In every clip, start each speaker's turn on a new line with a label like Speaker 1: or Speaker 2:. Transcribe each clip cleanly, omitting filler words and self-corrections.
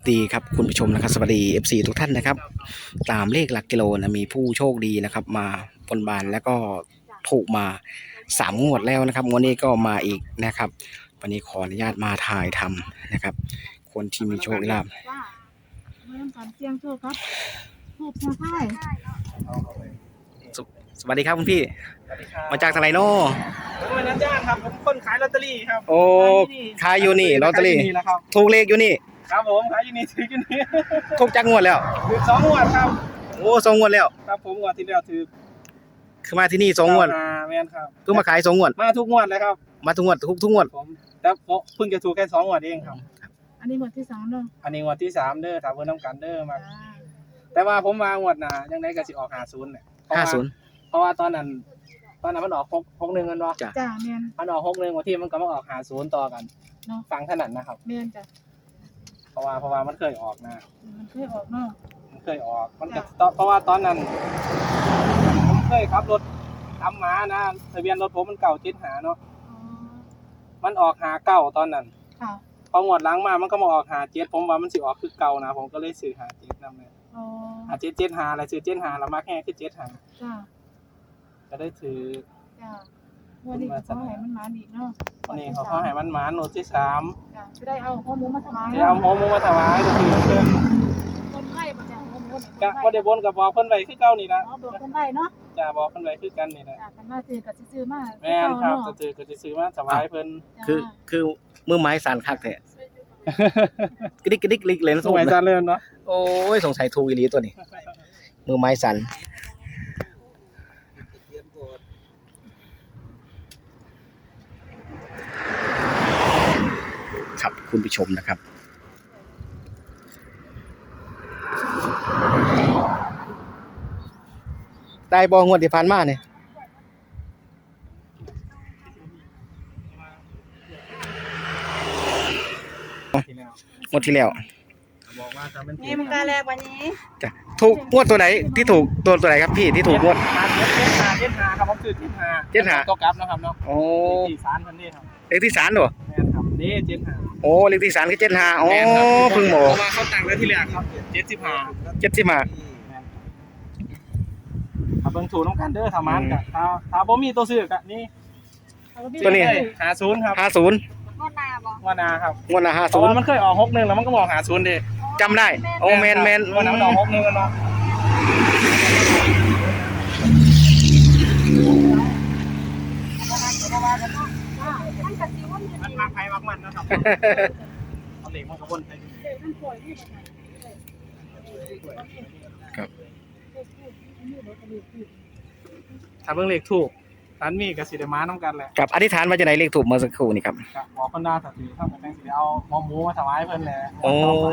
Speaker 1: ดีครับคุณผู้ชมนะครับสวัสดี FC ทุกท่านนะครับตามเลขหลักกิโลนะมีผู้โชคดีนะครับมาบนบานแล้วก็ถูกมา3 งวดแล้วนะครับงวดนี้ก็มาอีกนะครับวันนี้ขออนุญาตมาถ่ายทำนะครับคนที่มีโชคลาภ
Speaker 2: ว่าเริ่มการเสี่ยงโชคครับถูกเสียงไทาย
Speaker 1: สวัสดีครับคุณพี่
Speaker 3: สวัสดีครับ
Speaker 1: มาจากทางไหนเนาะ
Speaker 3: ผมเป็นอาจารย์ครับผมคนขายลอตเตอรี่ครับ
Speaker 1: โอ้ขายอยู่นี่ลอตเตอรี่
Speaker 3: ขายยู่นี่แหละครับ
Speaker 1: ถูกเลขอยู่นี่
Speaker 3: ครับผมขายอยู่นี่ถืออยู่นี่
Speaker 1: ถูกจักงวดแล้ว
Speaker 3: ถือ2 งวดครับ
Speaker 1: โอ้2 งวดแล้ว
Speaker 3: ครับผมงวดที่แล้วถือ
Speaker 1: คือมาที่นี่2 งวด
Speaker 3: แม่นครับ
Speaker 1: เพิ่งมาขาย2 งวด
Speaker 3: มาทุกงวดเลยครับ
Speaker 1: มาทุกงวดทุกงวด
Speaker 3: ผมแต่เพิ่งจะถูกแค่2 งวดเองครับ
Speaker 2: อันนี้หมวดที่2เนาะ
Speaker 3: อันนี้งวดที่3เด้อถามเพิ่นน้ำกันเด้อมา
Speaker 2: จ้า
Speaker 3: แต่ว่าผมมางวดหน้ายังไงก็สิออก50เนี่ยเพราะว่าตอนนั้นมันออก61กันเนาะ
Speaker 1: จ้ะ
Speaker 2: จ้าแม่น
Speaker 3: มันออก61วันที่มันก็มาออก50ต่อกัน
Speaker 2: เนาะ
Speaker 3: ฟังถนัดนะครับ
Speaker 2: แม่นจ้ะ
Speaker 3: เพราะว่ามันเคยออกนะ
Speaker 2: มันเคยออกเนาะ
Speaker 3: มันเคยออกมันก็เพราะว่าตอนนั้นผมเคยขับรถทำมานะทะเบียนรถผมมันเก่า75เนาะ
Speaker 2: อ๋อ
Speaker 3: มันออก59ตอนนั้น
Speaker 2: ค่ะ
Speaker 3: พองวดหลังมามันก็มาออก57ผมว่ามันสิออกคือเก่านะผมก็เลยซื้อ57นำเลย
Speaker 2: อ๋อ
Speaker 3: 5775แล้วซื้อ75แล้วมาแค่คือ75
Speaker 2: จ้า
Speaker 3: ก็ได้ถือ
Speaker 2: จ้าวันนี้ก็ขอให้มันมาอีกเนาะ
Speaker 3: วันนี้เขาให้มันหมาโนดที่3
Speaker 2: จ้าจะได้เอาข้อมูลมาถวาย
Speaker 3: จะเอาหมูมาถวายก็คือเพิ่น
Speaker 2: คนไข้บ่จ้าข้อมูล
Speaker 3: ก็บ่ได้บนก็บอกเพิ่นไว้คือเก่านี่ล่ะ
Speaker 2: อ๋อบอกคนไข้เนาะ
Speaker 3: จะบอกเพิ่นไว้คือกันนี่แหละ
Speaker 2: จ้ากันมาซื้อก็สิซื้อมา
Speaker 3: แม่นครับจะซื้อมาถวายเพิ่น
Speaker 1: คือมือไม้สั่นคักแท้กระดิกกระดิกลิกเลยนะ
Speaker 3: สมัยจานเริ่มเนาะ
Speaker 1: โอ้ยสงสัยถูกอีหลีตัวนี้ มือไม้สั่นครับคุณผู้ชมนะครับได้บองวดที่ผ่านมาเนี่ยงวดที่แล้ว
Speaker 3: บอกว่าจะเป็น
Speaker 2: นี่มันกาแรกวันนี้
Speaker 1: จ้ะถูกงวดตัวไหนที่ถูกตัวไหนครับพี่ที่ถูกงวด
Speaker 3: 75ครับผมคือ75ก็กลับนะครับเนาะ
Speaker 1: โอ้
Speaker 3: ที่ศาลเพิ่นนี่ครับ
Speaker 1: เลขที่ศาลเหรอ
Speaker 3: แม่นครับนี่75
Speaker 1: โอ้เลขที่ศาลคือ75โอ้เพิ่งบ
Speaker 3: เพ
Speaker 1: อก
Speaker 3: ราะว่าเขาตั้งไว้ที่แรกครับ75
Speaker 1: 75
Speaker 3: ถ้าเบิ่งถูกน้ำกันเด้อถ้ามันก็ถ้าบ่มีตัวซื้อก็นี่
Speaker 1: ตัวนี้
Speaker 3: 50ครับ
Speaker 1: 50
Speaker 2: งวดหน้าบ่
Speaker 3: ว่านาครับ
Speaker 1: งวดละ
Speaker 3: เพราะว่ามันเคยออก61แล้วมันก็บอก50เด้
Speaker 1: 50จำได้โอ้แมน
Speaker 3: วันนั้นมันออก61กันเนาะมันมักไผมักมันนะครับเอาเหล็กมันก็วนไป
Speaker 1: ครับ
Speaker 3: ถ้าเบิ่งเลขถูกร้านมีก็สิได้มานํกันแหละ
Speaker 1: กับอธิษฐานว่าจะได้เลขถูกเมื่อสักครู่นี่ครับ
Speaker 3: ก็บอกเพิ่นว่าถ้าถือทำกันจังสิได้เอาหมูมาถวายเพิ่นแหละ
Speaker 1: โอ้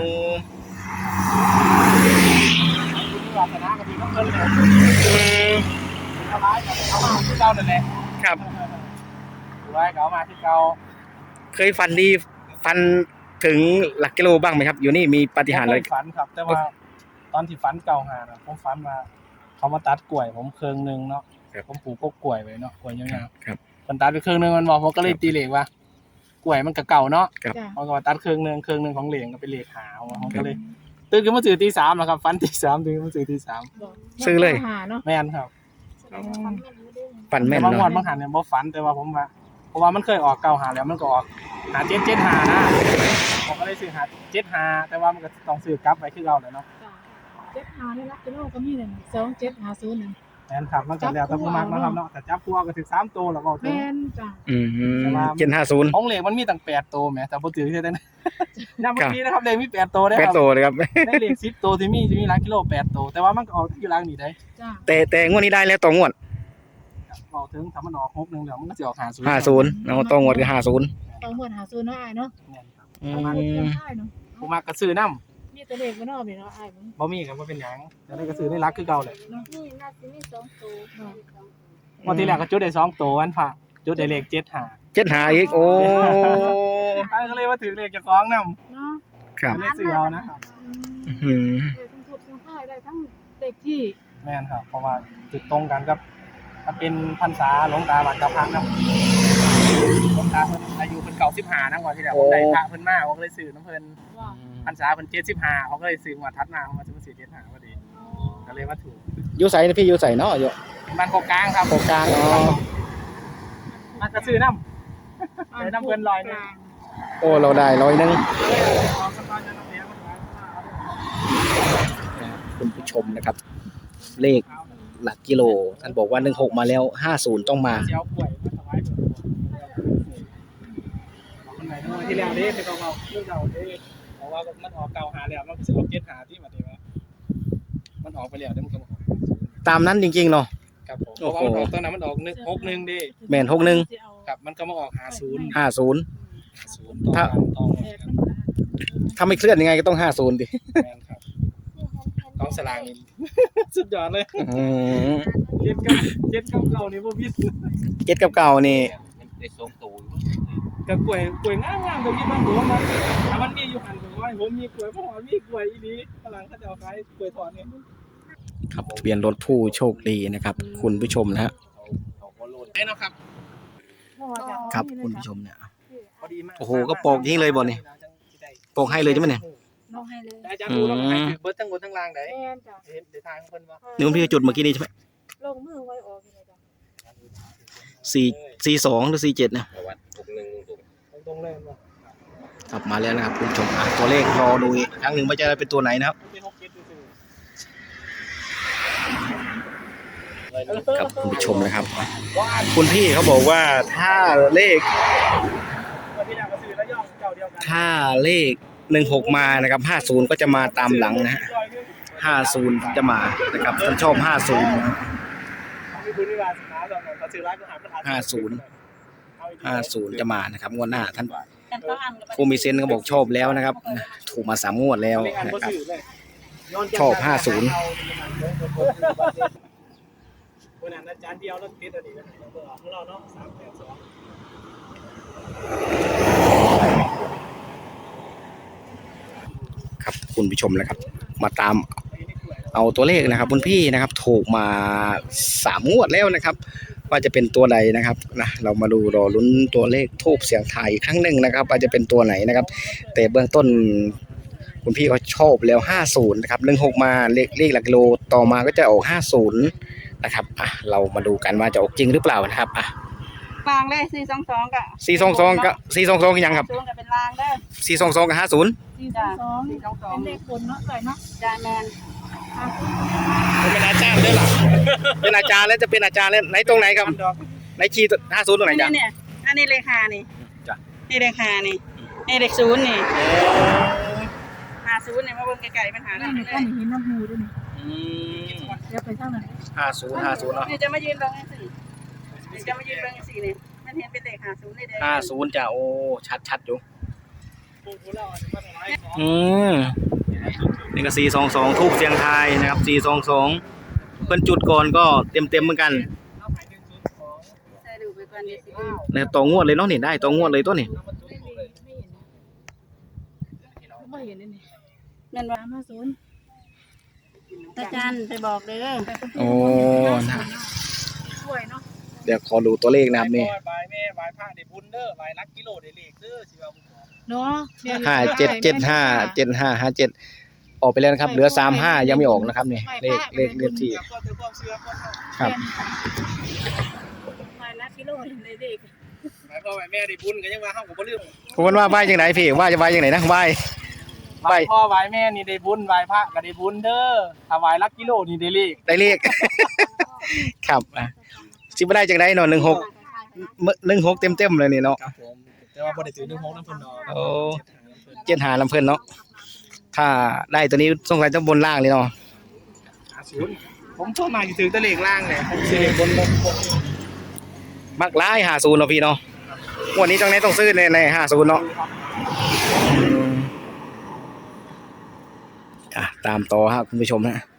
Speaker 3: คุณวาสนาก็ดีกับเพิ่นแหละถวายก็เอามาที่เก่านั่นแหละ
Speaker 1: ครับ
Speaker 3: ถวายก็เอามาที่เก่า
Speaker 1: เคยฝันดีฝันถึงหลักกิโลบ้างไหมครับ อยู่นี่มีปาฏิหาริย์อะไร
Speaker 3: ผมฝันครับ แต่ว่าตอนที่ฝันเก่าหาน่ะผมฝันว่าเขามาตัดกล้วยผมเครื่องนึงเนาะผมปลูกพวกกล้วยไว้เนาะกล้วยยาว
Speaker 1: ครับ
Speaker 3: ๆเพิ่นตัดไปเครื่องนึงมันบอกผมก็เลยตีเลขว่ากล้วยมันก็เก่าเนาะ
Speaker 1: ครับ
Speaker 2: จ้า
Speaker 3: มันก็ว่าตัดเครื่องนึงของเหลียงก็เป็นเลขหาผมก็เลยตื่นขึ้นมาตื่นตี3แล้วครับฝันตี3ตื่นขึ้นมาตื่นตี3
Speaker 1: ซื้อเลย
Speaker 2: หาเนาะ
Speaker 3: แม่นครับ
Speaker 1: ฝันแม่น
Speaker 3: บางวัน
Speaker 1: เนาะ
Speaker 3: บางหันเนี่ยบ่ฝันแต่ว่าผมว่าเพราะว่ามันเคยออกเก่าหาแล้วมันก็ออกหา775นะผมก็เลยซื้อหา75แต่ว่ามันก็ต้องซื้อกลับไปคือเก่าแหละเนาะ
Speaker 2: จ้า7หานี่รักกิโลก็มีนั่น2750นั่น
Speaker 3: แม่นครับมันก็แล้วแต่ผู้มักนะครับเนาะแต่จับตัวก็ถึง3ตัวแล้วก็ถึง
Speaker 2: แม่นจ้า
Speaker 1: 750
Speaker 3: ของเหล็กมันมีตั้ง8ตัวแหมแต่บ่ถือแค่นั้นนับเมื่อกี้นะครับเหล็กมี8ตัวได้อ
Speaker 1: แปด
Speaker 3: ครับ
Speaker 1: ตัวเลยครับ
Speaker 3: ในเหล็ก10ตัวที่มีหลักกิโล8ตัวแต่ว่ามันก็ออกอยู่หลังนี่ได้
Speaker 2: จ้า
Speaker 1: แต่งวดนี้ได้แล้วต่องวด
Speaker 3: ออกถึงถ้ามันออก61แล้วมันก็สิออก50
Speaker 1: 50เอาต่องวดคือ50
Speaker 2: ต้องหมดหาซื้อเนาะอ้ายเนาะ
Speaker 3: แม่นครับ
Speaker 1: อื
Speaker 2: ประมาณเดือน
Speaker 1: ม
Speaker 2: อ้ายเนาะ
Speaker 3: ผู้มักก็ซื้อนำ
Speaker 2: มีแต่เลขบ่เนาะพี่เนาะอ้ายมึง
Speaker 3: บ่มีก็บ่เป็นหยังแต่ได้ก็ซื้อในรักคือเก่าแหละ
Speaker 2: นี่น่าสิมี2ตัวเนาะ
Speaker 3: วันที่แรกก็จุดได้2ตัววันพระจุดได้เลข75
Speaker 1: 75อีกโอ้
Speaker 3: ก็เลยว่าถือเลขเจ้าของนำ
Speaker 2: เนาะ
Speaker 1: ครับ
Speaker 3: เลขซื้อเอานะครับ
Speaker 1: อื้อหือ
Speaker 2: เลขทั้งทุบทั้งค่ายได้ทั้งเลขที่
Speaker 3: แม่นครับเพราะว่าจุดตรงกันกับมันเป็นพรรษาหลวงตาบัดกับพระนำหลวงตาเพิ่นอายุเพิ่น95นำกว่าที่แล้วผมได้พระเพิ่นมาผมก็เลยซื้อน้ำเพิ่น
Speaker 2: ว่า
Speaker 3: คพรรษาเป็น75เขาก็เลยซื้อมาทัดมาเขามาซื้อ75พอดีก็เลยมาถูก
Speaker 1: อยู่ใส่พี่อยู่ใส่เนาะอยู่
Speaker 3: บ้านโคกลางครับ
Speaker 1: โคกลางอ๋อ
Speaker 3: มันก็ซื้อน้ำเลยน้ำเพิ่นลอยนึง
Speaker 1: โอ้เราได้100คุณผู้ชมนะครับ เลขหลักกิโลท่านบอกว่า16มาแล้ว50ต้องมา
Speaker 3: เจ้าป่วยมาถวายคนไหนที่แล้วเด้ไปเก่าๆเรื่องเก่าเด้เพราะว่ามันออกเก่าหาแล้วมันก็สิออก75ที่มาดีว่ามันออกไปแล้วได้มันก็ออก
Speaker 1: ตามนั้นจริงๆเนาะ
Speaker 3: ครับผมเพราะว่ามันออกตอนนั้นมันออก61เด้
Speaker 1: แม่น61
Speaker 3: ครับมันก็มาออก50
Speaker 1: 50
Speaker 3: ถ้า
Speaker 1: ถ้าไม่เคลื่อนยังไงก็ต้อง50ดิ
Speaker 3: แม่นครับกองสลากนี่ สุดยอดเลย
Speaker 1: อืม
Speaker 3: เจ็ดกับเก่านี่บ่ผิด
Speaker 1: 7กับเก่านี่
Speaker 4: ได้ส่งตู
Speaker 3: กับกล้วยงามๆก็มีบางหัวมันถ้ามันมีอยู่หั่นก็ว่าผมมีกล้วยบ่มีกล้วยอีหลีฝรั่งเขาจะเอาขายกล้วยทอดเนี่ย
Speaker 1: ครับเปลี่ยนรถผู้โชคดีนะครับ คุณผู้ชมนะฮะ
Speaker 4: เขาก็โลด
Speaker 3: ได้เนาะครับ
Speaker 1: ครับคุณผู้ชมเนี่ย
Speaker 3: พอดีมาก
Speaker 1: โอ้โหก็ปอกอย่างนี้เลยบ่นี่ ปอกให้เลยใช่ไหมเนี่ย
Speaker 2: ลองให้เลย
Speaker 3: อาจารย์ดูแล้วให้เบิดทั้งบนทั้งล่างได้
Speaker 2: แม่นจ้ะ
Speaker 3: เห็นได้ทางเพิ่นว่า
Speaker 1: นี่คุณพี่ก็จุดเมื่อกี้นี้ใช่ไหม
Speaker 2: ลงมือไว้ออกเลยจ้ะ
Speaker 1: 442หรือ47นะ
Speaker 4: ประวัติ61ตรง
Speaker 3: ตรงๆเลยว่า
Speaker 1: ครับมาแล้วนะครับคุณผู้ชมตัวเลขรอดูอีกครั้งหนึ่งว่าจะเป็นตัวไหนนะครับ
Speaker 3: มันเป็น6 7ซื่อ
Speaker 1: ครับคุณผู้ชมนะครับ คุณพี่เขาบอกว่าถ้าเลข
Speaker 3: วันที่แล้วก็ซื้อแล้วย่องเจ้าเดียวกัน
Speaker 1: ถ้าเลข16มานะครับ50ก็จะมาตามหลังนะฮะ50จะมานะครับท่านชอบ50นะครับ
Speaker 3: มีบุญวิวาสนาแล้วเขาซื้อร้านอาหารประทาน
Speaker 1: 50จะมานะครับงวดหน้าท่านผู้มีเซนส์ก็บอกชอบแล้วนะครับถูกมา3งวดแล้วนะครับ ชอบ50
Speaker 3: วันนั้นอาจารย์เดียวแล้วติดอันนี้นะของเราเนาะ382
Speaker 1: ครับคุณผู้ชมนะครับ มาตามเอาตัวเลขนะครับคุณพี่นะครับถูกมา3งวดแล้วนะครับ ว่าจะเป็นตัวใดนะครับนะเรามาดูรอลุ้นตัวเลขทูบเสียงไทายอีกครั้งหนึ่งนะครับว่าจะเป็นตัวไหนนะครับ แต่เบื้องต้นคุณพี่เขาชอบแล้ว50นะครับ16มาเลขหลักกิโลต่อมาก็จะออก50นะครับเรามาดูกันว่าจะออกจริงหรือเปล่านะครับ
Speaker 2: ลางเลย422กับ
Speaker 1: 422กับ422คือยังครับ
Speaker 2: 422กับเป็นลางเด้อ
Speaker 1: 422กับ50
Speaker 2: 422เป็นเลขคนเนาะใส่เนาะจ้าแมน
Speaker 3: เป็นอาจารย์ด้วยล่ะ
Speaker 1: เป็นอาจารย์แล้วจะเป็นอาจารย์แล้วไหนตรงไหนครับไหนคีย์50ตรงไหนจ๊ะ
Speaker 2: เนี่ยอันนี้เลขานี่
Speaker 1: จ้ะ
Speaker 2: นี่เลขานี่นี่เลข0นี่50นี่มาเบิ่งไกลๆปัญหานั่นเลย
Speaker 5: เห็นน้ำหูด้วยนี่
Speaker 2: เดี๋ยวไปทางนั้น
Speaker 1: 50เนาะ
Speaker 2: นี่จะมายืนเบิ่งจังซี่นี่จะมายืนเบิ่งจังซี่นี่มันเห็นเป็นเลข50เลยเด้อ
Speaker 1: 50จ้ะโอ้ชัดอยู่นี่ก็422ทูบเสียงไทายนะครับ422เพิ่นจุดก่อนก็เต็มเหมือนกัน
Speaker 2: ใส่ดูไปก่อนเดี๋ยวสิ
Speaker 1: นะต่องวดเลยเนาะนี่ได้ต่องวดเลยตัวนี่
Speaker 5: ไม่เห็นเลยนี่
Speaker 2: แม่นว่าตาจันไปบอกเด้อ
Speaker 1: โอ้นะ
Speaker 5: ช่วยเนาะ
Speaker 1: เดี๋ยวขอดูตัวเลขนะครับนี่
Speaker 3: บายแม่บายผ้าได้บุญเด้อบายรักกิโลได้เลขเด้อสิว่าผมบอก
Speaker 5: เนาะ
Speaker 1: 577575ออกไปแล้วนะครับเหลือ35ยังไม่ออกนะครับนี่เลขที่
Speaker 3: ก็จะความเชื่อคน
Speaker 1: ครับ
Speaker 5: มานักกิโลเลยเด็ก
Speaker 3: หมายพ่อหมายแม่ได้บุญก็ยังว่าเฮาก็บ่ลืม
Speaker 1: ผมว่าไหว้จังไหนพี่ว่าจะไหว้จังไหนนะไหว้
Speaker 3: บายพ่อบายแม่นี่ได้บุญบายพระก็ได้บุญเด้อถ้าบายรักกิโลนี่ได้เลข
Speaker 1: ได้เลข ครับสิบ่ได้จังได๋เนาะ16เต็มเลยนี่เนาะ
Speaker 3: ครับผมแต่ว่าบ่ได้ถือ16นำเพิ่นดอก
Speaker 1: โอ้75ลำเพิ่นเนาะถ้าได้ตัวนี้สงสัยต้องบนล่างเลยเนาะ
Speaker 3: 50ผมชอบมาสิถือแต่เลขล่างแหละผมสิเลขบน
Speaker 1: มักหลาย50เนาะพี่เนาะวันนี้จังได๋ต้องซื้อใน50เนาะตามต่อฮะคุณผู้ชมฮะ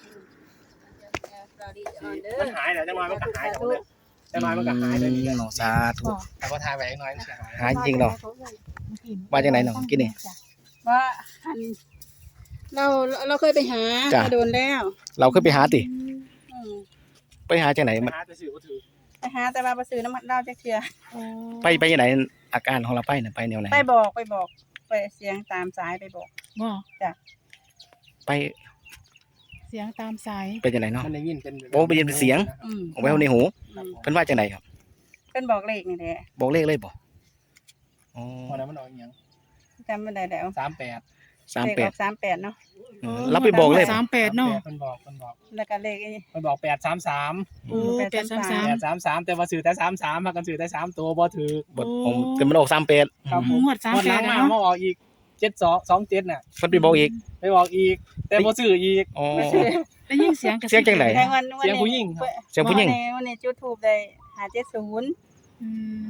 Speaker 3: มันหายแล้วจังหวะมันก็หายแล้วเนี่ยจังหวะมันก็หายเลยนี่
Speaker 1: เนาะสาธุ
Speaker 3: แต่ก็ทายไว้อีกหน่อยมันสิหาย
Speaker 1: หายจริงเนาะว่าจังไหนเนาะกินนี่
Speaker 2: ว่าอันเราเคยไปหา
Speaker 1: จ้ะ
Speaker 2: โดนแล้ว
Speaker 1: เราเคยไปหาติ
Speaker 2: อืม
Speaker 1: ไปหาจังไหนมัน
Speaker 3: หาแต่สื่อบ่ถือ
Speaker 2: ไปหาแต่ว่าบ่ซื้อน้ำมันเหล้าจักเทื่อ
Speaker 1: ไปยังไหนอาการของเราไปน่ะไปแนวไหน
Speaker 2: ไปบอกไปเสียงตามสายไปบอก
Speaker 5: บ่
Speaker 1: ไป
Speaker 5: เสียงตามสาย
Speaker 1: เป็นยังไงเนาะ
Speaker 3: มันได้ยินเป็น
Speaker 1: โอ้ได้ยินเป็นเสียง เอาไว้ในหู
Speaker 2: อืม
Speaker 1: เพิ่นว่าจังไดครับ
Speaker 2: เป็นบอกเลขนี่แหละ
Speaker 1: บอกเลขเลยบ่อ๋อ
Speaker 3: พอแล้วมันออกอีหยัง
Speaker 2: จำไม่ได้แล้ว
Speaker 3: 38
Speaker 2: เลขอ
Speaker 1: 38
Speaker 2: อก38เนาะ
Speaker 1: เราไปบอกเลย
Speaker 5: 38เนาะ
Speaker 3: เพิ่นบอก
Speaker 2: แล้วก็เลขไอ้
Speaker 3: เพิ่นบอก833
Speaker 5: โอ้833
Speaker 3: 833แต่ว่าซื้อแต่33พากันซื้อแต่3ตัวบ่ถูก
Speaker 1: บทผมแต่มันออก38
Speaker 3: ครับผม
Speaker 5: งวด
Speaker 3: งวดหลัง
Speaker 5: 38
Speaker 3: มา
Speaker 5: เนาะ
Speaker 3: มาออกอีก7227น่ะ
Speaker 1: เพิ่นไปบอกอีก
Speaker 3: ไปบอกอีก แต่บ่ซื้ออีก
Speaker 1: อ๋อ
Speaker 2: ไม่ใช่
Speaker 5: ได้ยินเสียงกระซิบ
Speaker 1: เสียงจังไหน
Speaker 2: แทงวัน
Speaker 3: เสียงผู้หญิงครับ
Speaker 1: เสียงผู้หญิง
Speaker 2: วันนี้จุดทูบได้570
Speaker 5: อืม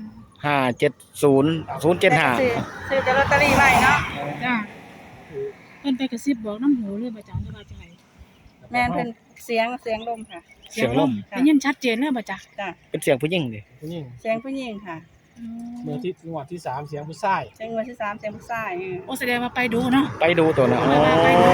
Speaker 1: 570
Speaker 2: ซื้อแต่ลอตเตอรี่ไว้เนาะ
Speaker 5: จ้าเพิ่นไปกระซิบบอกน้ำหูเลยบ่จ้าว่าจังได
Speaker 2: แม่นเพิ่นเสียงลมค่ะ
Speaker 1: เสียงลม
Speaker 2: ค่ะ
Speaker 5: ได้ยินชัดเจนเลยบ่จ้า
Speaker 2: จ้ะ
Speaker 1: เป็นเสียงผู้หญิงดิ
Speaker 3: ผู้หญิง
Speaker 2: เสียงผู้หญิงค่ะ
Speaker 3: เมื่อที่งวดที่3เสียงผู้ชาย
Speaker 2: เสียงวันที่3เสียงผู้ชาย
Speaker 5: โอ้แสดงว่าไปดูเนาะ
Speaker 1: ไปดูตัวนะอ๋อ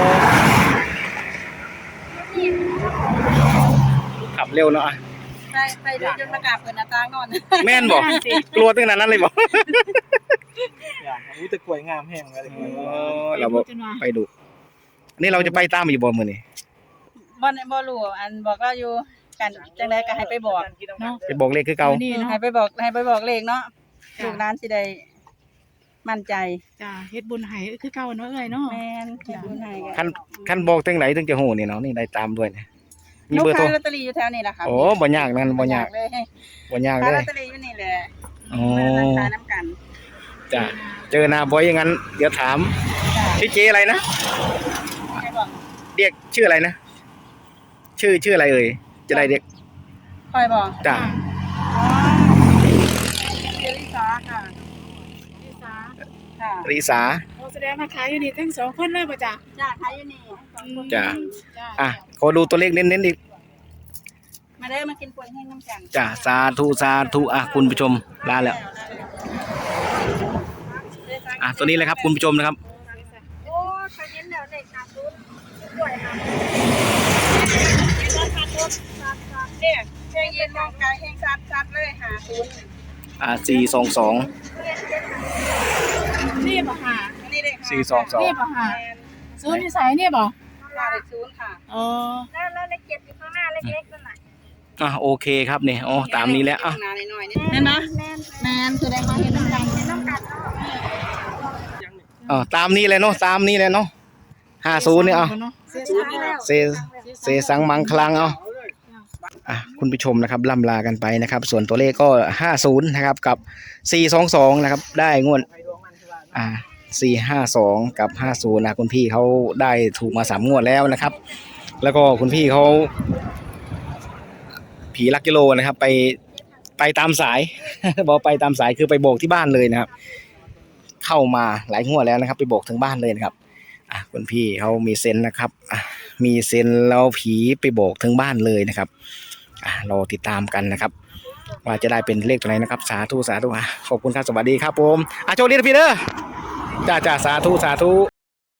Speaker 1: ขับเร็วเนาะอ่ะ
Speaker 2: ไปดูจนมากราบเพิ่นหน้าต่างนอน
Speaker 1: แม่นบ่กลัวตั้งแต่นั้นเลยบ่
Speaker 3: อย่างอู้แต่กล้วยงามแห้งเลย
Speaker 1: เราบ่ไปดูอันนี้เราจะไปตามอยู่บ่มื้อนี้
Speaker 2: บ่รู้อันบอกเราอยู่กันจังไดก็ให้ไปบอก
Speaker 5: เนาะ
Speaker 1: ไปบอกเลขคือเก่า
Speaker 5: นี่เนาะ
Speaker 2: ให้ไปบอกเลขเนาะลูกหลานสิได้มั่นใจ
Speaker 5: จ้าเฮ็ดบุญให้คือเก่าเนาะเอ้ยเนาะ
Speaker 2: แม่นเฮ็ดบุญให้กั
Speaker 1: คันบอกตั้งไหนถึงจะฮู้นี่เนาะนี่ได้ตามด้วยเนี่ยมี
Speaker 2: ลูก
Speaker 1: เบอร์โทร
Speaker 2: ขายลอตเตอรี่อยู่แถวนี้ล่ะค่ะ
Speaker 1: โอ้บ่ยากนั่นบ่ยาก
Speaker 2: เลย
Speaker 1: บ่ยาก
Speaker 2: ขาย
Speaker 1: เล
Speaker 2: ลอย ตเตอรี่อยู่นี่แหละ
Speaker 1: อ๋อ
Speaker 2: มาขายน้ำกัน
Speaker 1: จ้ะเจอหน้าบ่อยอย่างนั้นเดี๋ยวถาม
Speaker 2: จ้ะ
Speaker 1: พี่เจอะไรนะ
Speaker 2: ให้บอก
Speaker 1: เรียกชื่ออะไรนะชื่ออะไรเอ่ยจะได้เรียก
Speaker 2: คอยบอก
Speaker 1: จ้ะ
Speaker 2: อ๋อเจริสาค่ะ
Speaker 5: พี่สา
Speaker 2: ค่ะ
Speaker 1: ริสา
Speaker 5: โอ้แสดงว่าขายอยู่นี่ทั้งสองคนเลยบ่จ้า
Speaker 2: จ้าขายอยู่นี่
Speaker 1: จ้ะ
Speaker 5: จ้า
Speaker 1: อ่ะขอดูตัวเลขเน้นๆอีก
Speaker 2: มาเด้อมากินป่วยแห้งน้ำกัน
Speaker 1: จ้ะสาธุอ่ะคุณผู้ชมลาแล้วอ่ะตัวนี้เลยครับคุณผู้ชมนะครับ
Speaker 2: โอ้ขายเย็นแล้วเด็กขาดทุนป่วยค่ะขาดทุนเนี่ยแห้งเย็นร่างกายแห้งซัดเลยหาทุน
Speaker 1: 422
Speaker 5: นี่บ่ค่ะ
Speaker 2: อันนี้เด็ก
Speaker 1: 422
Speaker 5: นี่บ่ค่ะซื้อที่ไสนี่บ่
Speaker 2: ค่ะเด็กศูนย์ค่ะ
Speaker 5: อ๋อ
Speaker 2: แล้วเลขเจ็ดอยู่ข้างหน้าเล็กๆนั่นน่ะ
Speaker 1: อ่ะโอเคครับเนี่ยอ๋อตามนี้แล้วอ่ะ
Speaker 2: หน้าหน่อยๆนี่เห็นไหมแมนคือได้มาเห็นน้ำกัน
Speaker 1: ตามนี้เลยเนาะตามนี้เลยเนาะ50เนี่ยเอา เซสังมังคลังเอาคุณผู้ชมนะครับล่ำลากันไปนะครับ ส่วนตัวเลขก็50นะครับกับ422นะครับได้งวด452กับ50นะคุณพี่เขาได้ถูกมา3งวดแล้วนะครับ แล้วก็คุณพี่เขาผีลักกิโลนะครับไปตามสาย บอกไปตามสายคือไปโบกที่บ้านเลยนะครับ เข้ามาหลายงวดแล้วนะครับ ไปโบกถึงบ้านเลยนะครับคุณพี่เขามีเซนส์นะครับมีเซนส์แล้วผีไปโบกถึงบ้านเลยนะครับเราติดตามกันนะครับ ว่าจะได้เป็นเลขตัวไหนนะครับสาธุขอบคุณครับสวัสดีครับผมโชคดีนะพี่เด้อจ้าสาธุ